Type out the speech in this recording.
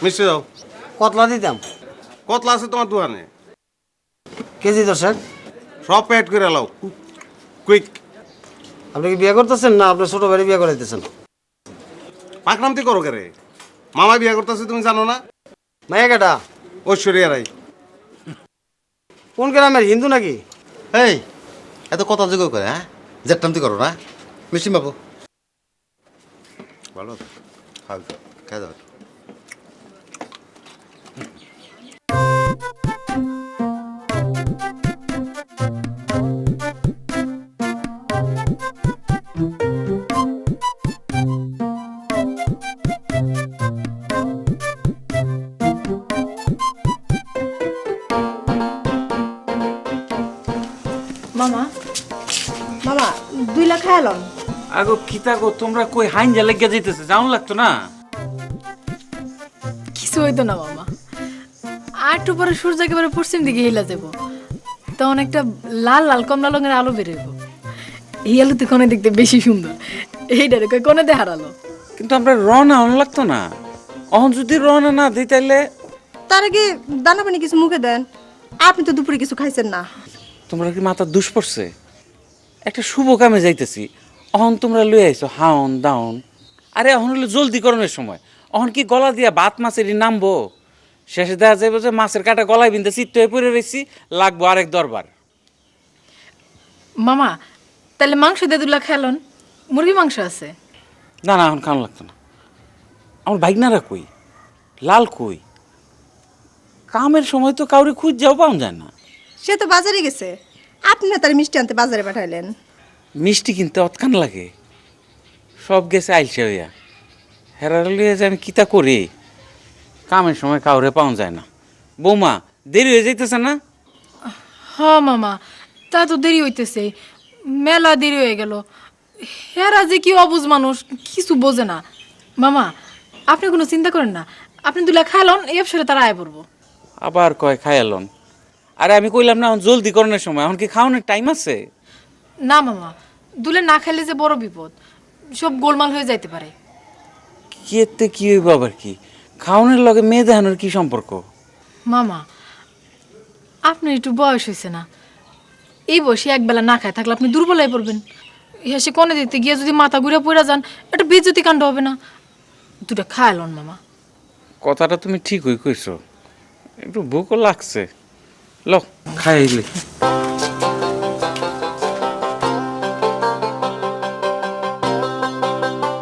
মিষ্টি দাও। কতলা দিতাম? কতলা আছে তোমার দোকানে? কেজি 10। সব প্যাড করে লাও, কুইক। আপনি কি বিয়ে করতেছেন না আপনার ছোট ভাই বিয়ে করাইতেছেন? পাকনামতি করো কে রে? মামা বিয়ে করতেছে তুমি জানো না? মাইয়া কেটা? ঐশ্বরিয়া রাই। কোন গ্রামের, হিন্দু নাকি? এই এত কথা যোগ করে, হ্যাঁ? জেটটামতি করো না। মিষ্টি বাবু ভালো খাও, খাই দাও। মামা মামা 2 লাখ খাইলাম। আগো কিতা গো, তোমরা কই হাইঞ্জা লাগিয়া যাইতেছে, যাওন লাগতো না? কিছু হইতো না মামা, আর একটু পরে সূর্য একেবারে পশ্চিম দিকে হিলা যাব, তখন একটা লাল লাল কমলা রঙের আলো বেরোইব। এই আলো তো কোনে দেখতে বেশি সুন্দর, এইটারে কই কোনে দেখার আলো। কিন্তু আমরা রওনা হন লাগতো না? অহন যদি রওনা না দিই তাইলে? তার আগে দানা পানি কিছু মুখে দেন। আপনি তো দুপুরে কিছু খাইছেন না। তোমরা কি মাথা দুষ পড়ছে? একটা শুভ কামে যাইতেছি, অহন তোমরা লই আইছো হাউন দাউন। আরে অহন হলো জলদি করণের সময়, অহন কি গলা দিয়া ভাত মাছেরই নামবো? শেষে দেখা যাবে যে মাছের কাটা গলায় বিনতে চিত্ত হয়ে পড়ে রয়েছি, লাগবো আরেক দরবার। মামা তাহলে মাংস দিয়ে 2 লাখ খাইলন, মুরগি মাংস আছে? না না, এখন খাওয়ানো লাগতো না। আমার বাইকনারা কই, লাল কই? কামের সময় তো কাউরে খুঁজ যাও পাওয়া যায় না। সে তো বাজারে গেছে, আপনি না তার মিষ্টি আনতে বাজারে পাঠাইলেন। মিষ্টি কিনতে অতখান লাগে, সব গেছে আইলসে হইয়া। হেরার লিয়ে যে আমি কিতা করি, কামের সময় কাউরে পাওয়া যায় না। বৌমা দেরি হয়ে যাইতেছে না? হ মামা, তা তো দেরি হইতেছে, মেলা দেরি হয়ে গেল। হেরা যে কি অবুঝ মানুষ, কিছু বোঝে না। মামা আপনি কোনো চিন্তা করেন না, আপনি 2 লাখ খাইলন, এই অবসরে তারা আয় পড়বো। আবার কয় খায়ালন? আরে আমি কইলাম না এখন জলদি করণের সময়, এখন কি খাওয়ানোর টাইম আছে? না মামা, 2 লাখ না খাইলে যে বড় বিপদ, সব গোলমাল হয়ে যাইতে পারে। কি এতে কি হইব আবার? কি খাওয়ানোর লগে মেয়ে দেখানোর কি সম্পর্ক? মামা আপনার একটু বয়স হয়েছে না, এই বয়সে একবেলা না খায় থাকলে আপনি দুর্বল হয়ে পড়বেন। সে কনে দিতে গিয়ে যদি মাথা ঘুরে পড়ে যান, এটা বেজ্জতি কাণ্ড হবে না? 2টা খায়ালন মামা। কথাটা তুমি ঠিকই কইছো, একটু ভুকও লাগছে। লো খাইলে